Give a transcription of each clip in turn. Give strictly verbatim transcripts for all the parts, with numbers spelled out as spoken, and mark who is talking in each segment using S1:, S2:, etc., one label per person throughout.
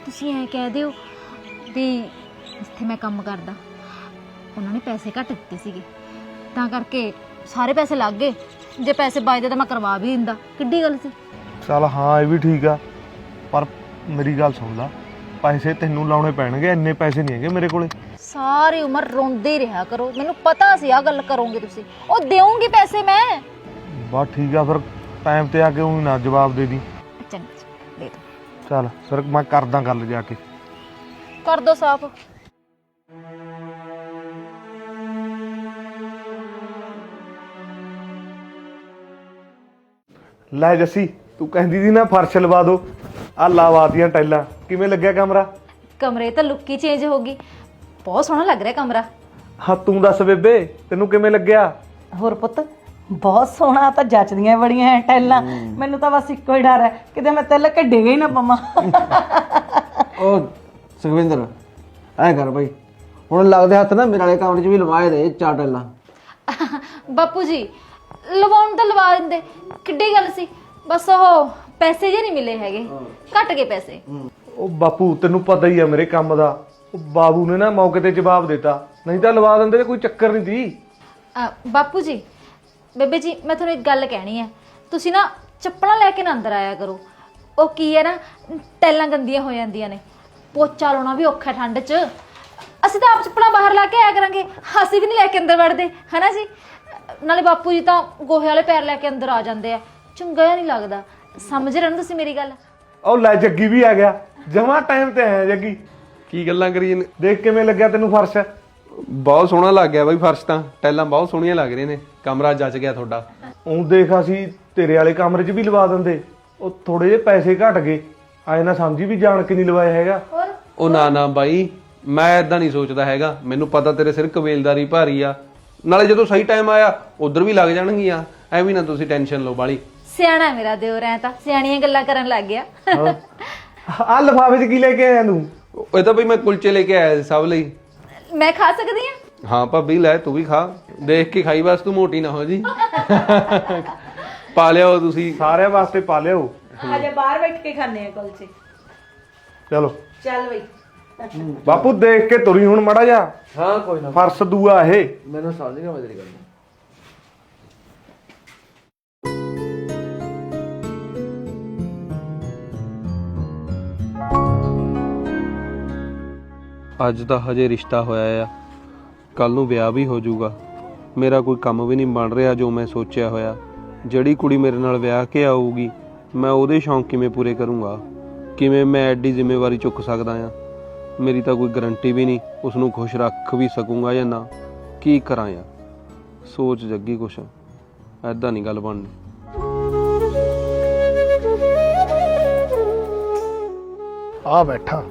S1: ਤੁਸੀਂ ਐ ਕਹਿ ਦਿਓ ਵੀ ਜਿੱਥੇ ਮੈਂ ਕੰਮ ਕਰਦਾ ਉਹਨਾਂ ਨੇ ਪੈਸੇ ਘੱਟ ਦਿੱਤੇ ਸੀਗੇ ਤਾਂ ਕਰਕੇ ਸਾਰੇ ਪੈਸੇ ਲੱਗ ਗਏ। ਜੇ ਪੈਸੇ ਬਚਦੇ ਤਾਂ ਮੈਂ ਕਰਵਾ ਵੀ ਦਿੰਦਾ, ਕਿੱਡੀ ਗੱਲ ਸੀ।
S2: ਚੱਲ ਹਾਂ ਇਹ ਵੀ ਠੀਕ ਆ, ਪਰ ਮੇਰੀ ਗੱਲ ਸੁਣ ਲਾ, ਪੈਸੇ ਤੈਨੂੰ ਲਾਉਣੇ ਪੈਣਗੇ, ਇੰਨੇ ਪੈਸੇ ਨਹੀਂ ਹੈਗੇ ਮੇਰੇ ਕੋਲੇ।
S1: ਸਾਰੀ ਉਮਰ ਰੋਂਦੇ ਹੀ ਰਿਹਾ ਕਰੋ, ਮੈਨੂੰ ਪਤਾ ਸੀ ਆ ਗੱਲ ਕਰੋਗੇ ਤੁਸੀਂ। ਉਹ ਦੇਵਾਂਗੀ ਪੈਸੇ ਮੈਂ।
S2: ਬਸ ਠੀਕ ਆ, ਫਿਰ ਟਾਈਮ ਤੇ ਆ ਕੇ ਉਹ ਨਾ ਜਵਾਬ ਦੇ ਦੀ।
S1: ਚੰਗਾ ਦੇ ਦੋ।
S2: ਚੱਲ ਸਰ ਮੈਂ ਕਰਦਾ ਗੱਲ ਜਾ ਕੇ।
S1: ਕਰ ਦੋ ਸਾਫ਼।
S2: ਲੈ ਜੱਸੀ, ਤੂੰ ਕਹਿੰਦੀ ਸੀ ਨਾ ਫਰਸ਼ ਲਵਾ ਦੋ, ਆ ਲਾਵਾਤੀਆਂ ਟਾਈਲਾਂ। ਕਿਵੇਂ ਲੱਗਿਆ ਕਮਰਾ?
S1: ਕਮਰੇ ਤਾਂ ਲੁੱਕ ਹੀ ਚੇਂਜ ਹੋ ਗਈ, ਬਹੁਤ ਸੋਹਣਾ ਲੱਗ ਰਿਹਾ ਕਮਰਾ।
S2: ਹਾਂ ਤੂੰ ਦੱਸ ਬੇਬੇ, ਤੈਨੂੰ ਕਿਵੇਂ ਲੱਗਿਆ?
S3: ਹੋਰ ਪੁੱਤ ਬਹੁਤ ਸੋਹਣਾ, ਤਾਂ ਜੱਚਦੀਆਂ ਬੜੀਆਂ ਐ ਟੈਲਾਂ। ਮੈਨੂੰ ਤਾਂ ਬਸ ਇੱਕੋ ਹੀ ਡਰ ਹੈ ਕਿਤੇ ਮੈਂ ਤਿਲ ਕੱਢੇਗਾ ਹੀ ਨਾ ਪਵਾਂ।
S4: ਉਹ ਸੁਖਵਿੰਦਰ ਐ ਕਰ ਬਈ, ਹੁਣ ਲੱਗਦੇ ਹੱਥ ਨਾ ਮੇਰੇ ਵਾਲੇ ਕਮਰੇ 'ਚ ਵੀ ਲਵਾਏ ਦੇ ਚਾਰ ਟੈਲਾਂ।
S1: ਬਾਪੂ ਜੀ ਲਵਾਉਣ ਤਾਂ ਲਵਾ ਦਿੰਦੇ, ਕਿੱਡੀ ਗੱਲ ਸੀ। ਬਸ ਉਹ ਪੈਸੇ ਜੇ ਨਹੀਂ ਮਿਲੇ ਹੈਗੇ, ਘਟ ਗਏ ਪੈਸੇ।
S2: ਉਹ ਬਾਪੂ ਤੈਨੂੰ ਪਤਾ ਹੀ ਆ ਮੇਰੇ ਕੰਮ ਦਾ, ਉਹ ਬਾਬੂ ਨੇ ਨਾ ਮੌਕੇ ਤੇ ਜਵਾਬ ਦਿੱਤਾ, ਨਹੀਂ ਤਾਂ ਲਵਾ ਦਿੰਦੇ ਤੇ ਕੋਈ ਚੱਕਰ ਨਹੀਂ ਸੀ।
S1: ਬਾਪੂ ਜੀ ਬੇਬੇ ਜੀ ਮੈਂ ਤੁਹਾਨੂੰ ਇੱਕ ਗੱਲ ਕਹਿਣੀ ਹੈ, ਤੁਸੀਂ ਨਾ ਚੱਪਲਾਂ ਲੈ ਕੇ ਨਾ ਅੰਦਰ ਆਇਆ ਕਰੋ। ਉਹ ਕੀ ਹੈ ਨਾ, ਟੈਲਾਂ ਗੰਦੀਆਂ ਹੋ ਜਾਂਦੀਆਂ ਨੇ, ਪੋਚਾ ਲਾਉਣਾ ਵੀ ਔਖਾ ਠੰਡ 'ਚ। ਅਸੀਂ ਤਾਂ ਆਪ ਚੱਪਲਾਂ ਬਾਹਰ ਲਾ ਕੇ ਆਇਆ ਕਰਾਂਗੇ, ਅਸੀਂ ਵੀ ਨਹੀਂ ਲੈ ਕੇ ਅੰਦਰ ਵੜਦੇ ਹਨਾ ਜੀ। ਨਾਲੇ ਬਾਪੂ ਜੀ ਤਾਂ ਗੋਹੇ ਵਾਲੇ ਪੈਰ ਲੈ ਕੇ ਅੰਦਰ ਆ ਜਾਂਦੇ ਆ, ਚੰਗਾ ਨਹੀਂ ਲੱਗਦਾ। ਸਮਝ ਰਹੇ ਹੋ ਤੁਸੀਂ ਮੇਰੀ ਗੱਲ?
S2: ਉਹ ਲੈ ਜੱਗੀ ਵੀ ਆ ਗਿਆ, ਜਮਾ ਟਾਈਮ ਤੇ ਆਇਆ ਜੱਗੀ।
S5: ਕੀ ਗੱਲਾਂ ਕਰੀ ਜਾਂਦੇ?
S2: ਦੇਖ ਕਿਵੇਂ ਲੱਗਿਆ ਤੈਨੂੰ ਫਰਸ਼?
S5: ਬਹੁਤ ਸੋਹਣਾ ਲੱਗ ਗਿਆ ਬਾਈ ਫਰਸ਼, ਤਾਂ ਟੈਲਾਂ ਬਹੁਤ ਸੋਹਣੀਆਂ ਲੱਗ ਰਹੀਆਂ ਨੇ, ਕਮਰਾ ਜੱਚ ਗਿਆ ਤੁਹਾਡਾ।
S2: ਉਹ ਦੇਖ ਅਸੀਂ ਤੇਰੇ ਵਾਲੇ ਕਮਰੇ 'ਚ ਵੀ ਲਵਾ ਦਿੰਦੇ, ਉਹ ਥੋੜੇ ਜਿਹੇ ਪੈਸੇ ਘਟ ਗਏ, ਆਏ ਨਾ ਸਮਝੀ ਵੀ ਜਾਣ ਕੇ ਨਹੀਂ ਲਵਾਇਆ ਹੈਗਾ।
S5: ਉਹ ਨਾ ਨਾ ਬਾਈ, ਮੈਂ ਏਦਾਂ ਨਹੀਂ ਸੋਚਦਾ ਹੈਗਾ, ਮੈਨੂੰ ਪਤਾ ਤੇਰੇ ਸਿਰ ਕਬੀਲਦਾਰੀ ਭਾਰੀ ਆ, ਨਾਲੇ ਜਦੋਂ ਸਹੀ ਟਾਈਮ ਆਇਆ ਉਧਰ ਵੀ ਲੱਗ ਜਾਣਗੀਆਂ, ਐਵੇਂ ਨਾ ਤੁਸੀਂ ਟੈਨਸ਼ਨ ਲਓ ਬਾਲੀ।
S1: ਸਿਆਣਾ ਮੇਰਾ ਦਿਓਰ, ਐ ਤਾਂ ਸਿਆਣੀਆਂ ਗੱਲਾਂ ਕਰਨ ਲੱਗ ਗਿਆ।
S2: ਆ ਲਿਫਾਫੇ 'ਚ ਕੀ ਲੈ ਕੇ ਆਇਆ ਤੂੰ?
S5: ਇਹ ਤਾਂ ਬਈ ਮੈਂ ਕੁਲਚੇ ਲੈ ਕੇ ਆਇਆ ਸੀ ਸਭ ਲਈ।
S1: ਮੈਂ ਖਾ ਸਕਦੀ ਹਾਂ?
S5: ਹਾਂ ਭਾਬੀ ਲੈ, ਤੂੰ ਵੀ ਖਾ, ਦੇਖ ਕੇ ਖਾਈ, ਬਸ ਤੂੰ ਮੋਟੀ ਨਾ ਹੋ ਜੀ। ਪਾ ਲਿਓ ਤੁਸੀਂ
S2: ਸਾਰਿਆਂ ਵਾਸਤੇ ਪਾ ਲਿਓ।
S3: ਅਜੇ ਬਾਹਰ ਬੈਠ ਕੇ ਖਾਣੇ ਆ ਕੁਲਚੇ।
S2: ਚਲੋ
S3: ਚੱਲ ਬਈ।
S2: ਬਾਪੂ ਦੇਖ ਕੇ ਤੁਰੀ ਹੁਣ ਮੜਾ ਜਾ।
S4: ਹਾਂ ਕੋਈ ਨਾ,
S2: ਫਰਸ਼ ਦੂਆ ਇਹ।
S4: ਮੈਨੂੰ ਸਮਝ ਗਿਆ ਮੈਂ ਤੇਰੀ ਗੱਲ।
S5: ਅੱਜ ਤਾਂ ਹਜੇ ਰਿਸ਼ਤਾ ਹੋਇਆ ਆ, ਕੱਲ ਨੂੰ ਵਿਆਹ ਵੀ ਹੋ ਜਾਊਗਾ, ਮੇਰਾ ਕੋਈ ਕੰਮ ਵੀ ਨਹੀਂ ਬਣ ਰਿਹਾ ਜੋ ਮੈਂ ਸੋਚਿਆ ਹੋਇਆ। ਜਿਹੜੀ ਕੁੜੀ ਮੇਰੇ ਨਾਲ ਵਿਆਹ ਕੇ ਆਊਗੀ ਮੈਂ ਉਹਦੇ ਸ਼ੌਂਕ ਕਿਵੇਂ ਪੂਰੇ ਕਰੂੰਗਾ, ਕਿਵੇਂ ਮੈਂ ਐਡੀ ਜ਼ਿੰਮੇਵਾਰੀ ਚੁੱਕ ਸਕਦਾ ਆ? ਮੇਰੀ ਤਾਂ ਕੋਈ ਗਰੰਟੀ ਵੀ ਨਹੀਂ ਉਸ ਨੂੰ ਖੁਸ਼ ਰੱਖ ਵੀ ਸਕੂੰਗਾ ਜਾਂ ਨਾ। ਕੀ ਕਰਾਂ ਯਾਰ, ਸੋਚ ਜੱਗੀ ਕੁਛ, ਐਦਾਂ ਨਹੀਂ ਗੱਲ ਬਣਨੀ।
S6: ਆ ਬੈਠਾ।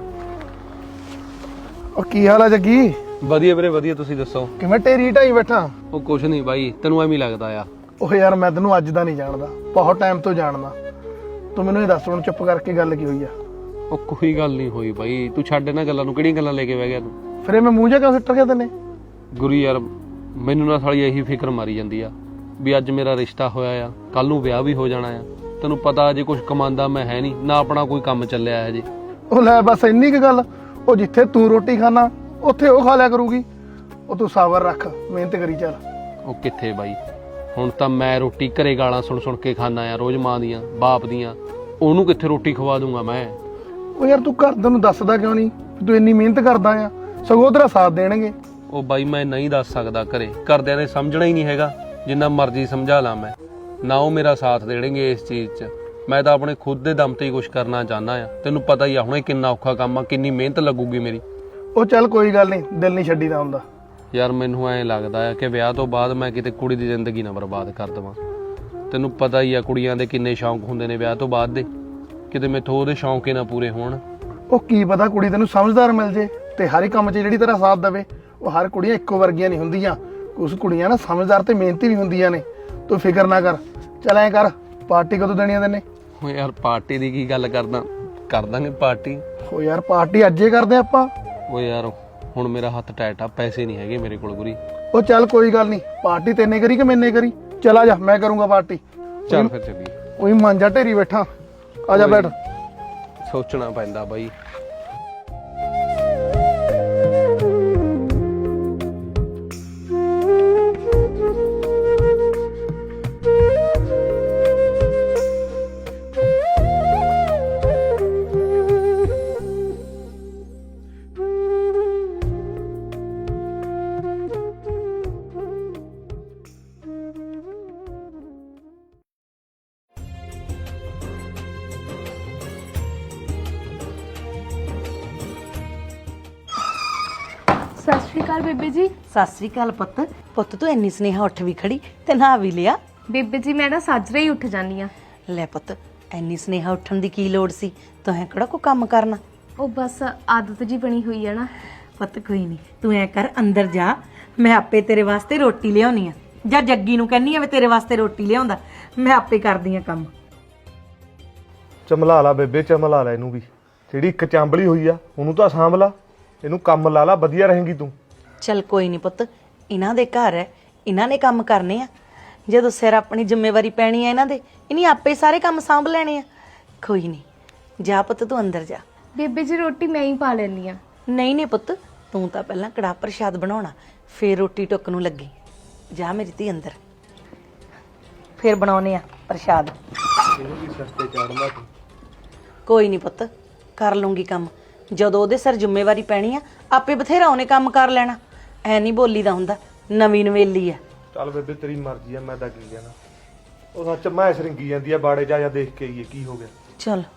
S6: ਉਹ ਕੀ ਹਾਲ ਆ ਜੱਗੀ?
S5: ਵਧੀਆ ਵੀਰੇ ਵਧੀਆ, ਤੁਸੀਂ ਦੱਸੋ?
S6: ਕਿਵੇਂ ਢੇਰੀ ਢਾਈ ਬੈਠਾ?
S5: ਉਹ ਕੁਛ ਨਹੀਂ ਬਾਈ, ਤੈਨੂੰ ਐਵੇਂ ਲੱਗਦਾ ਆ।
S6: ਉਹ ਯਾਰ ਮੈਂ ਤੈਨੂੰ ਅੱਜ ਦਾ ਨਹੀਂ ਜਾਣਦਾ, ਬਹੁਤ ਟਾਈਮ ਤੋਂ ਜਾਣਦਾ। ਤੂੰ ਮੈਨੂੰ ਇਹ ਦੱਸ ਹੁਣ ਚੁੱਪ ਕਰਕੇ ਗੱਲ ਕੀ ਹੋਈ ਆ?
S5: ਉਹ ਕੋਈ ਗੱਲ ਨਹੀਂ ਹੋਈ ਬਾਈ, ਤੂੰ ਛੱਡ ਇਹਨਾਂ ਗੱਲਾਂ ਨੂੰ, ਕਿਹੜੀਆਂ ਗੱਲਾਂ ਲੈ ਕੇ ਬਹਿ ਗਿਆ ਤੂੰ?
S6: ਫਿਰ ਇਹ ਮੈਂ ਮੂੰਹ ਜਾ ਕਿਉਂ ਸਿੱਟ ਗਿਆ ਤੈਨੇ?
S5: ਗੁਰੂ ਯਾਰ ਮੈਨੂੰ ਨਾ ਸਾਲੀ ਇਹੀ ਫਿਕਰ ਮਾਰੀ ਜਾਂਦੀ ਆ ਵੀ ਅੱਜ ਮੇਰਾ ਰਿਸ਼ਤਾ ਹੋਇਆ ਆ, ਕੱਲ ਨੂੰ ਵਿਆਹ ਵੀ ਹੋ ਜਾਣਾ ਆ। ਤੈਨੂੰ ਪਤਾ ਅਜੇ ਕੁਝ ਕਮਾਉਂਦਾ ਮੈਂ ਹੈ ਨਹੀਂ, ਨਾ ਆਪਣਾ ਕੋਈ ਕੰਮ ਚੱਲਿਆ ਹਜੇ।
S6: ਉਹ ਲੈ ਬਸ ਇੰਨੀ ਕੁ ਗੱਲ। ਉਹ ਜਿੱਥੇ ਤੂੰ ਰੋਟੀ ਖਾਣਾ ਉੱਥੇ ਉਹ ਖਾ ਲਿਆ ਕਰੂਗੀ। ਉਹ ਤੂੰ ਸਬਰ ਰੱਖ, ਮਿਹਨਤ ਕਰੀ ਚੱਲ।
S5: ਉਹ ਕਿੱਥੇ ਬਾਈ, ਹੁਣ ਤਾਂ ਮੈਂ ਰੋਟੀ ਘਰੇ ਗਾਲਾਂ ਸੁਣ ਸੁਣ ਕੇ ਖਾਣਾ ਆ ਰੋਜ਼, ਮਾਂ ਦੀਆਂ ਬਾਪ ਦੀਆਂ, ਉਹਨੂੰ ਕਿੱਥੇ ਰੋਟੀ ਖਵਾ ਦੂੰਗਾ ਮੈਂ?
S6: ਉਹ ਯਾਰ ਤੂੰ ਘਰਦਿਆਂ ਨੂੰ ਦੱਸਦਾ ਕਿਉਂ ਨਹੀਂ ਤੂੰ ਇੰਨੀ ਮਿਹਨਤ ਕਰਦਾ ਆ? ਸਗੋਂ ਤੇਰਾ ਸਾਥ ਦੇਣਗੇ।
S5: ਉਹ ਬਾਈ ਮੈਂ ਨਹੀਂ ਦੱਸ ਸਕਦਾ ਘਰੇ, ਘਰਦਿਆਂ ਨੇ ਸਮਝਣਾ ਹੀ ਨਹੀਂ ਹੈਗਾ, ਜਿੰਨਾ ਮਰਜ਼ੀ ਸਮਝਾ ਲਾਂ ਮੈਂ, ਨਾ ਉਹ ਮੇਰਾ ਸਾਥ ਦੇਣਗੇ ਇਸ ਚੀਜ਼ 'ਚ। ਮੈਂ ਤਾਂ ਆਪਣੇ ਖੁਦ ਦੇ ਦਮ ਤੇ ਹੀ ਕੁਛ ਕਰਨਾ ਚਾਹੁੰਦਾ ਆ। ਤੈਨੂੰ ਪਤਾ ਹੀ ਆ ਹੁਣੇ ਕਿੰਨਾ ਔਖਾ ਕੰਮ ਆ, ਕਿੰਨੀ ਮਿਹਨਤ ਲੱਗੂਗੀ ਮੇਰੀ।
S6: ਉਹ ਚੱਲ ਕੋਈ ਗੱਲ ਨਹੀਂ, ਦਿਲ ਨਹੀਂ ਛੱਡੀਦਾ ਹੁੰਦਾ।
S5: ਯਾਰ ਮੈਨੂੰ ਐਂ ਲੱਗਦਾ ਆ ਕਿ ਵਿਆਹ ਤੋਂ ਬਾਅਦ ਮੈਂ ਕਿਤੇ ਕੁੜੀ ਦੀ ਜ਼ਿੰਦਗੀ ਨਾ ਬਰਬਾਦ ਕਰ ਦੇਵਾਂ। ਤੈਨੂੰ ਪਤਾ ਹੀ ਆ ਕੁੜੀਆਂ ਦੇ ਕਿੰਨੇ ਸ਼ੌਂਕ ਹੁੰਦੇ ਨੇ ਵਿਆਹ ਤੋਂ ਬਾਅਦ ਦੇ, ਕਿਤੇ ਮੈਥੋਂ ਉਹਦੇ ਸ਼ੌਂਕ ਹੀ ਨਾ ਪੂਰੇ ਹੋਣ।
S6: ਉਹ ਕੀ ਪਤਾ ਕੁੜੀ ਤੈਨੂੰ ਸਮਝਦਾਰ ਮਿਲ ਜੇ ਤੇ ਹਰ ਇੱਕ ਕੰਮ 'ਚ ਜਿਹੜੀ ਤੇਰਾ ਸਾਥ ਦੇਵੇ। ਉਹ ਹਰ ਕੁੜੀਆਂ ਇੱਕੋ ਵਰਗੀਆਂ ਨਹੀਂ ਹੁੰਦੀਆਂ, ਕੁਛ ਕੁੜੀਆਂ ਨਾ ਸਮਝਦਾਰ ਤੇ ਮਿਹਨਤੀ ਵੀ ਹੁੰਦੀਆਂ ਨੇ। ਤੂੰ ਫਿਕਰ ਨਾ ਕਰ। ਚੱਲ ਐਂ ਕਰ, ਪਾਰਟੀ ਕਦੋਂ ਦੇਣੀ ਆ ਤੈਨੇ?
S5: ਓ ਯਾਰ ਪਾਰਟੀ ਦੀ ਕੀ ਗੱਲ ਕਰਦਾ, ਕਰ ਦਾਂਗੇ ਪਾਰਟੀ।
S6: ਉਹ ਯਾਰ ਪਾਰਟੀ ਅੱਜੇ ਕਰਦੇ ਆਪਾਂ।
S5: ਓ ਯਾਰ ਹੁਣ ਮੇਰਾ ਹੱਥ ਟਾਈਟ ਆ, ਪੈਸੇ ਨਹੀਂ ਹੈਗੇ ਮੇਰੇ ਕੋਲ ਗੁਰੀ।
S6: ਉਹ ਚੱਲ ਕੋਈ ਗੱਲ ਨਹੀਂ, ਪਾਰਟੀ ਤੈਨੇ ਕਰੀ ਕਿ ਮੈਨੇ ਕਰੀ? ਚੱਲ ਆ ਜਾ, ਮੈਂ ਕਰੂੰਗਾ ਪਾਰਟੀ।
S5: ਚੱਲ ਫਿਰ ਚੱਲੀਏ।
S6: ਉਹੀ ਮਾਂਜਾ ਢੇਰੀ ਬੈਠਾ, ਆ ਜਾ ਬੈਠ।
S5: ਸੋਚਣਾ ਪੈਂਦਾ ਬਾਈ।
S7: ਸਤਿ ਸ਼੍ਰੀ ਅਕਾਲ ਬੇਬੇ ਜੀ।
S3: ਸਤਿ ਸ੍ਰੀ ਅਕਾਲ ਪੁੱਤ। ਪੁੱਤ ਤੂੰ ਇੰਨੀ ਸਨੇਹਾ ਉੱਠ ਵੀ ਖੜੀ ਤੇ ਨਹਾ ਵੀ ਲਿਆ।
S7: ਬੇਬੇ ਜੀ ਮੈਂ ਨਾ ਸਾਜਰੇ ਹੀ ਉੱਠ ਜਾਂਦੀ ਆ।
S3: ਲੈ ਪੁੱਤ ਇੰਨੀ ਸਨੇਹਾ ਉੱਠਣ ਦੀ ਕੀ ਲੋੜ ਸੀ, ਤੂੰ ਐ ਕਿਹੜਾ ਕੋਈ ਕੰਮ ਕਰਨਾ।
S7: ਉਹ ਬਸ ਆਦਤ ਜੀ ਬਣੀ ਹੋਈ ਆ ਨਾ।
S3: ਪੁੱਤ ਕੋਈ ਨਹੀਂ, ਤੂੰ ਐ ਕਰ ਅੰਦਰ ਜਾ, ਮੈਂ ਆਪੇ ਤੇਰੇ ਵਾਸਤੇ ਰੋਟੀ ਲਿਆਉਣੀ ਆ। ਜਾਂ ਜੱਗੀ ਨੂੰ ਕਹਿੰਨੀ ਆ ਵੀ ਤੇਰੇ ਵਾਸਤੇ ਰੋਟੀ ਲਿਆਉਂਦਾ, ਮੈਂ ਆਪੇ ਕਰਦੀ ਆ ਕੰਮ।
S2: ਚਮਲਾ ਲਾ ਬੇਬੇ, ਚਮਲਾ ਲਾ ਇਹਨੂੰ ਵੀ। ਜਿਹੜੀ ਇੱਕ ਚਾਂਬਲੀ ਹੋਈ ਆ ਉਹਨੂੰ ਤਾਂ ਸਾਂਭ ਲਾ, ਇਹਨੂੰ ਕੰਮ ਲਾ ਲਾ, ਵਧੀਆ ਰਹੇਂਗੀ ਤੂੰ।
S3: ਚੱਲ ਕੋਈ ਨਹੀਂ ਪੁੱਤ, ਇਹਨਾਂ ਦੇ ਘਰ ਹੈ, ਇਹਨਾਂ ਨੇ ਕੰਮ ਕਰਨੇ ਆ। ਜਦੋਂ ਸਿਰ ਆਪਣੀ ਜ਼ਿੰਮੇਵਾਰੀ ਪੈਣੀ ਆ ਇਹਨਾਂ ਦੇ, ਇਨੀ ਆਪੇ ਸਾਰੇ ਕੰਮ ਸਾਂਭ ਲੈਣੇ ਆ। ਕੋਈ ਨਹੀਂ, ਜਾ ਪੁੱਤ ਤੂੰ ਅੰਦਰ ਜਾ।
S7: ਬੇਬੇ ਜੀ ਰੋਟੀ ਮੈਂ ਹੀ ਪਾ ਲੈਣੀ ਆ।
S3: ਨਹੀਂ ਨਹੀਂ ਪੁੱਤ, ਤੂੰ ਤਾਂ ਪਹਿਲਾਂ ਕੜਾਹ ਪ੍ਰਸ਼ਾਦ ਬਣਾਉਣਾ, ਫੇਰ ਰੋਟੀ ਟੁੱਕ ਨੂੰ ਲੱਗੀ। ਜਾ ਮੇਰੀ ਧੀ ਅੰਦਰ, ਫੇਰ ਬਣਾਉਨੇ ਆ ਪ੍ਰਸ਼ਾਦ।
S2: ਇਹਨੂੰ ਵੀ ਸਸਤੇ ਚਾੜਨਾ ਤੂੰ।
S3: ਕੋਈ ਨਹੀਂ ਪੁੱਤ, ਕਰ ਲੂੰਗੀ ਕੰਮ। ਜਦੋਂ ਉਹਦੇ ਸਿਰ ਜ਼ਿੰਮੇਵਾਰੀ ਪੈਣੀ ਆ, ਆਪੇ ਬਥੇਰਾ ਉਹਨੇ ਕੰਮ ਕਰ ਲੈਣਾ। ਐ ਨਹੀਂ ਬੋਲੀ ਦਾ ਹੁੰਦਾ, ਨਵੀਂ ਨਵੇਲੀ ਆ।
S2: ਚੱਲ ਬੇਬੇ ਤੇਰੀ ਮਰਜ਼ੀ ਆ, ਮੈਂ ਤਾਂ ਕੀ ਕਹਿਣਾ। ਉਹ ਸੱਚ ਮੈਂ ਸਰਿੰਗੀ ਜਾਂਦੀ ਆ ਬਾੜੇ ਜਾ, ਜਾ ਦੇਖ ਕੇ ਆਈਏ ਕੀ ਹੋ ਗਿਆ।
S3: ਚਲ